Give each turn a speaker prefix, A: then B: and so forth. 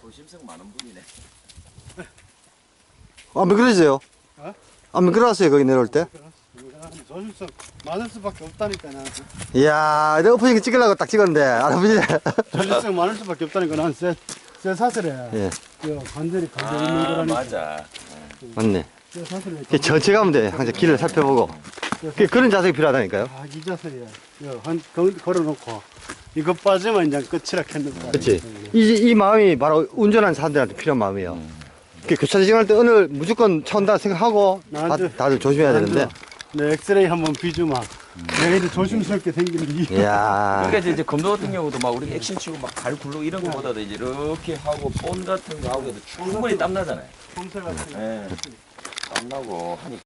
A: 조심성 많은 분이네.
B: 안 미끄러지세요?
C: 어?
B: 안 미끄러졌어요 거기 내려올 때?
C: 조심성 많을 수밖에 없다니까 나는.
B: 이야 내가 오프닝 찍으려고 딱 찍었는데 할아버지.
C: 조심성 많을 수밖에 없다니까 나는 쎄 사슬에
B: 예
C: 관절이 걸려 있는 거라니까.
A: 맞아.
B: 맞네.
C: 쎄 사슬에
B: 전체 가면 돼. 항상 길을 살펴보고. 그런 자세가 필요하다니까요.
C: 이 자세야. 한 걸어놓고 이거 빠지면 이제 끝이라 했는데.
B: 그렇지. 이 마음이 바로 운전하는 사람들한테 필요한 마음이에요. 교차 지정할 때 오늘 무조건 차 온다 생각하고 다들 조심해야 되는데.
C: 내 엑스레이 한번 비주마. 내가 이렇게 조심스럽게 생기는 이유.
B: 이야.
A: 그러니까 이제 검도 같은 경우도 막 우리 액션 치고 막 발 굴르고 이런 거보다도 이제 이렇게 하고 본 같은 거 하고 해도 충분히 땀 나잖아요.
C: 폼새 같은 거.
A: 예. 땀 나고 하니까.